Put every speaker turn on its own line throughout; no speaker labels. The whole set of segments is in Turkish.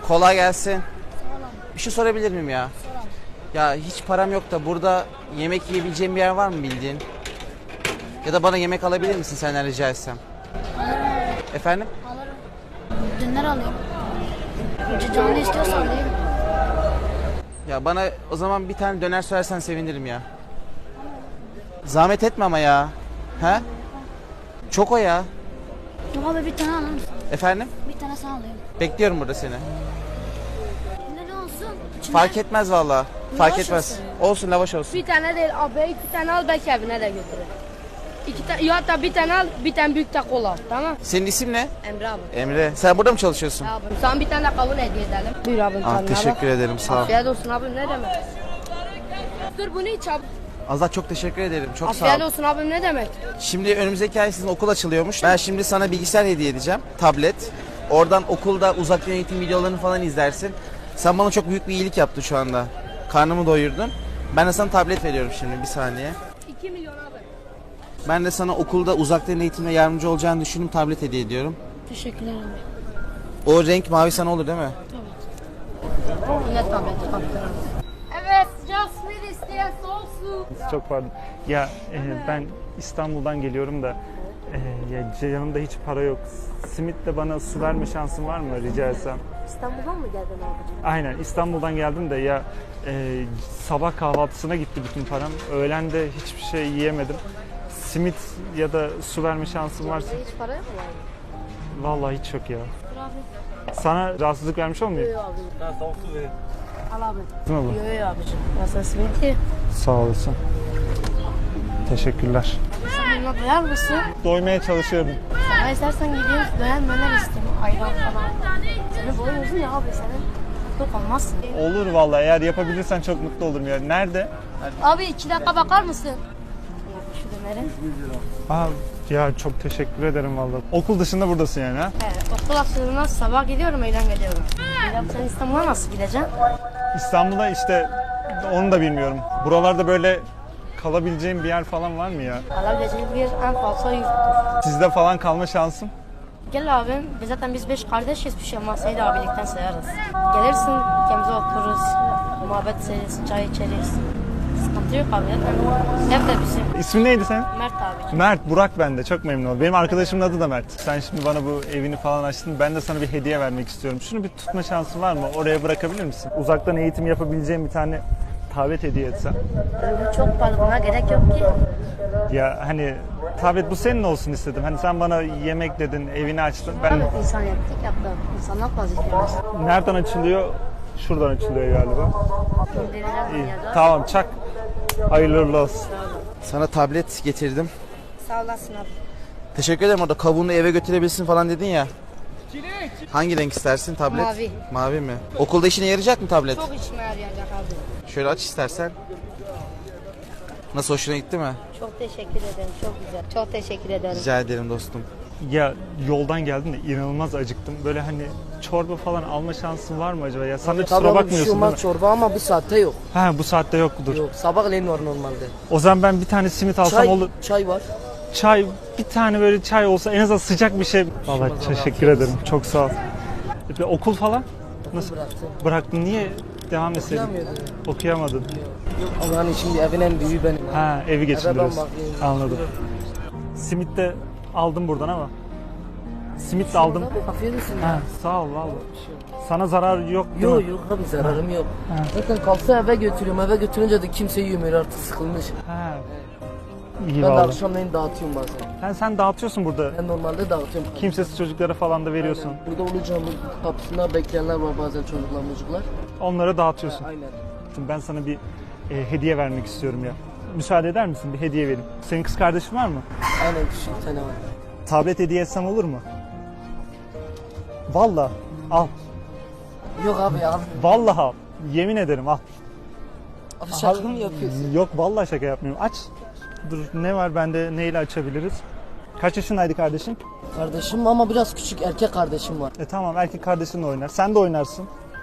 Kolay gelsin.
Sağ olun.
Bir şey sorabilir miyim ya?
Sağ olun.
Ya hiç param yok da burada yemek yiyebileceğim bir yer var mı bildiğin? Ya da bana yemek alabilir misin senden rica etsem? Efendim?
Alırım. Döner alayım. Canlı istiyorsan değil mi?
Ya bana o zaman bir tane döner söylersen sevinirim ya. Zahmet etme ama ya. He? Çok o ya.
Yok abi bir tane alır mısın?
Efendim?
Bir tane sana alayım.
Bekliyorum burada seni.
Ne olsun? İçinde
Fark etmez valla. Fark
Lavaş
etmez.
olsun.
Olsun lavaş olsun.
Bir tane değil abi, iki tane al, belki evine de götürür. İki tane, ya da bir tane al, bir tane büyük de kola al, tamam?
Senin isim ne?
Emre abi.
Emre. Sen burada mı çalışıyorsun?
Abi, sana bir tane kavun hediye edelim. Buyur abi.
Ah,
tadına
teşekkür
bak.
ederim sağ ol.
Afiyet olsun abi, ne demek? Dur bunu iç abi.
Azat çok teşekkür ederim. Çok sağ
Afiyet
ol.
olsun abi, ne demek?
Şimdi önümüzdeki ay sizin okul açılıyormuş. Ben şimdi sana bilgisayar hediye edeceğim. Tablet. Oradan okulda uzaktan eğitim videolarını falan izlersin. Sen bana çok büyük bir iyilik yaptın şu anda. Karnımı doyurdun. Ben de sana tablet veriyorum şimdi bir saniye.
2 milyon abi.
Ben de sana okulda uzaktan eğitimde yardımcı olacağını düşündüm tablet hediye ediyorum.
Teşekkürler abi.
O renk mavi sana olur değil mi?
Ne tableti kaptırırım. Evet, sıcak simit isteyen soğuk su.
Çok pardon. Ya ben İstanbul'dan geliyorum da ya yanımda hiç para yok. Simitle bana su verme şansın var mı rica etsem?
İstanbul'dan mı geldin abicim?
Aynen İstanbul'dan geldim de ya sabah kahvaltısına gitti bütün param. Öğlen de hiçbir şey yiyemedim. Simit ya da su verme şansın varsa.
Hiç para yok mu yani?
Vallahi hiç yok ya.
Dur abi.
Sana rahatsızlık vermiş olmuyor?
Yok abi. Al abi.
Ne olur?
Yok abicim. Ya sen simiti.
Sağ olasın. Teşekkürler.
Sen bununla doyar mısın?
Doymaya çalışıyorum.
Sana istersen gidiyoruz, döner möner isteyeyim. Ayran falan. Senin boyun uzun ya abi, senin çok olmazsın.
Olur vallahi eğer yapabilirsen çok mutlu olurum ya. Nerede?
Abi 2 dakika bakar mısın? Şu döneri.
Aa, ya çok teşekkür ederim vallahi. Okul dışında buradasın yani ha?
Evet, okul açılığından sabah gidiyorum, öğlen geliyorum. Ya sen İstanbul'a nasıl gideceksin?
İstanbul'da işte onu da bilmiyorum. Buralarda böyle kalabileceğim bir yer falan var mı ya?
Alabileceğin bir en fazla yurttur.
Sizde falan kalma şansım.
Gel abim, zaten biz 5 kardeşiz, bir şey olmaz, seni de abilikten sayarız. Gelirsin, ülkemize otururuz, muhabbet ederiz, çay içeriz. Sıkıntı yok abi, zaten ev de bizim.
İsmin neydi senin?
Mert abi.
Mert, Burak ben de. Çok memnun oldum. Benim arkadaşımın adı da Mert. Sen şimdi bana bu evini falan açtın. Ben de sana bir hediye vermek istiyorum. Şunu bir tutma şansın var mı? Oraya bırakabilir misin? Uzaktan eğitim yapabileceğim bir tane tablet hediye etsem.
Çok pahalı, buna gerek yok ki.
Ya hani tablet bu senin olsun istedim. Hani sen bana yemek dedin, evini açtın. Ben
Evet, insaniyetlik yaptı. İnsanlık vazifemiz.
nereden açılıyor? Şuradan açılıyor galiba.
Göndereceğiz
İyi.
dünyada.
Tamam çak. Hayırlı uğurlu olsun.
Sana tablet getirdim.
Sağ olasın abi.
Teşekkür ederim orada kabuğunu eve götürebilirsin falan dedin ya. Hangi renk istersin tablet?
Mavi.
Mavi mi? Okulda işine yarayacak mı tablet?
Çok işime yarayacak abi.
Şöyle aç istersen. Nasıl hoşuna gitti mi?
Çok teşekkür ederim, çok güzel. Çok teşekkür ederim.
Rica ederim dostum.
Ya yoldan geldim de inanılmaz acıktım. Böyle hani çorba falan alma şansın var mı acaba? Ya sen de kusura
Tabii bir şey
bakmıyorsun değil
olmaz
mi?
çorba ama bu saatte yok.
Ha bu saatte yoktur.
Yok sabahleyin var normalde.
O zaman ben bir tane simit alsam
Çay,
olur.
çay var.
Çay, bir tane böyle çay olsa en azından sıcak bir şey. Vallahi teşekkür ederim. Çok sağ ol. Okul falan nasıl
Bıraktım.
bıraktın? Niye devam etseydin?
Okuyamıyordum.
Okuyamadın.
Yok ama hani şimdi evin en büyüğü benim.
Ha evi
Eve ben
geçindiriyorsun.
bakayım.
Anladım. Simit de aldım buradan ama. Simit de aldım.
Afiyet olsun
Ha,
ya.
sağ ol vallahi. Sana zarar yok değil
Yok
mi?
yok abi zararım yok.
Ha.
Zaten kalsa eve götürüyorum. Eve götürünce de kimse yemiyor artık sıkılmış.
Ha. İyi
Ben de
vallahi.
akşamleyin dağıtıyorum bazen.
Sen dağıtıyorsun burada.
Ben normalde dağıtıyorum.
Kimsesiz çocuklara falan da veriyorsun.
Burada olacağım kapısında bekleyenler var bazen çocuklar.
Onlara dağıtıyorsun.
Aynen.
Ben sana bir hediye vermek istiyorum ya. Müsaade eder misin? Bir hediye vereyim. Senin kız kardeşin var mı?
Aynen küçük bir tane var.
Tablet hediye etsem olur mu? Vallahi al.
Yok abi ya.
Vallahi al. Yemin ederim al.
Abi şaka mı yapıyorsun?
Yok vallahi şaka yapmıyorum. Aç. Dur ne var bende neyle açabiliriz? Kaç yaşındaydı kardeşin?
Kardeşim ama biraz küçük erkek kardeşim var.
Tamam erkek kardeşinle oynar. Sen de oynarsın.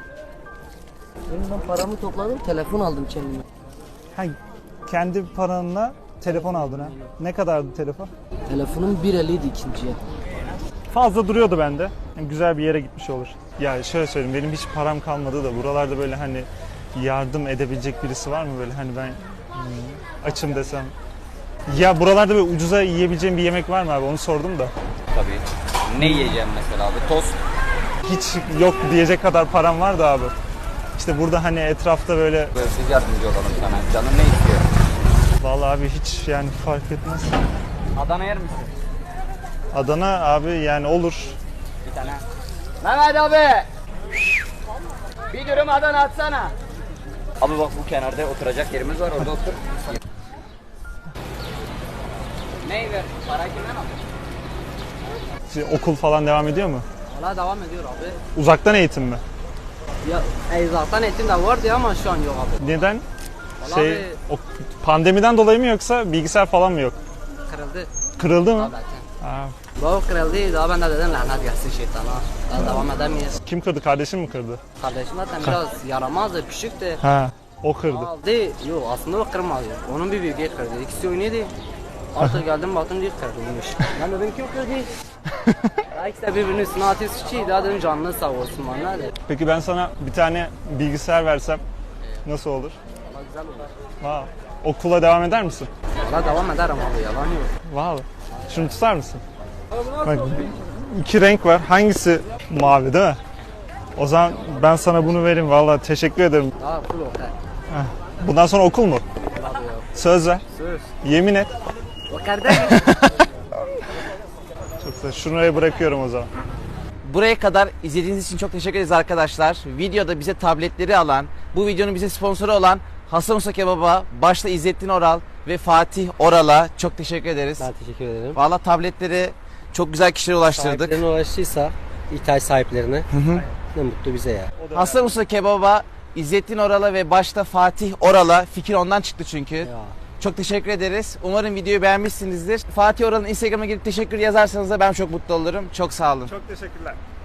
Ben paramı topladım telefon aldım kendime.
Ha, kendi paranla telefon aldın ha. Ne kadardı telefon?
Telefonum 1.50'ydi ikinciye.
Fazla duruyordu bende. Hem güzel bir yere gitmiş olur. Ya şöyle söyleyeyim, benim hiç param kalmadı da buralarda böyle hani yardım edebilecek birisi var mı böyle hani ben açım desem. Ya buralarda böyle ucuza yiyebileceğim bir yemek var mı abi, onu sordum da.
Tabii. Ne yiyeceğim mesela abi? Tost.
Hiç yok diyecek kadar param var da abi. İşte burada hani etrafta böyle
Böyle biz yardımcı olalım sana. Canın ne istiyor?
vallahi abi hiç yani fark etmez.
Adana yer misin?
Adana abi yani olur.
Bir tane. Mehmet abi. Bir dürüm Adana atsana. Abi bak bu kenarda oturacak yerimiz var, orada otur. Ney ver? Para kimden aldın?
Şimdi okul falan devam ediyor mu?
Valla devam ediyor abi.
Uzaktan eğitim mi?
Ya zaten eğitim de vardı ama şu an yok abi.
Neden?
Vallahi
Şey,
abi-
o pandemiden dolayı mı yoksa bilgisayar falan mı yok?
Kırıldı.
Kırıldı mı?
Zaten.
Aa,
Bu kırıldı, daha ben de dedim lanet gelsin şeytana. Daha devam edemeyiz.
kim kırdı? Kardeşim mi kırdı?
Kardeşim zaten biraz yaramazdı, küçüktü.
Ha, o kırdı.
Aldı, yok aslında o kırmadı. Onun bir büyüğü kırdı. İkisi oynuyordu. Artık geldim baktım diye kırdıymış. Ben dedim kim kırdı? Ya ikisi de birbirinin üstüne atıyor suçu. Daha dedim canını sağ olsun bana.
Peki ben sana bir tane bilgisayar versem nasıl olur?
Valla güzel olur.
Wow. Okula devam eder misin?
Valla devam ederim abi, yalan yok.
Wow. Şunu tutar mısın? Bak, iki renk var. Hangisi mavi değil mi? O zaman ben sana bunu vereyim. Vallahi teşekkür ederim.
Daha full okey.
Bundan sonra okul mu?
Abi yok.
Söz ver.
Söz.
Yemin et.
O kardeş.
Çok güzel. Şuraya bırakıyorum o zaman.
Buraya kadar izlediğiniz için çok teşekkür ederiz arkadaşlar. Videoda bize tabletleri alan, bu videonun bize sponsoru olan Hasan Usta Kebap'a, başta İzzettin Oral ve Fatih Oral'a çok teşekkür ederiz.
Ben teşekkür ederim.
Valla tabletleri çok güzel kişilere ulaştırdık.
Sahiplerine ulaştıysa, ihtiyaç sahiplerine ne mutlu bize ya.
Hasan Usta Kebap'a, İzzettin Oral'a ve başta Fatih Oral'a, fikir ondan çıktı çünkü.
Ya.
Çok teşekkür ederiz. Umarım videoyu beğenmişsinizdir. Fatih Oral'ın Instagram'a girip teşekkür yazarsanız da ben çok mutlu olurum. Çok sağ olun.
Çok teşekkürler.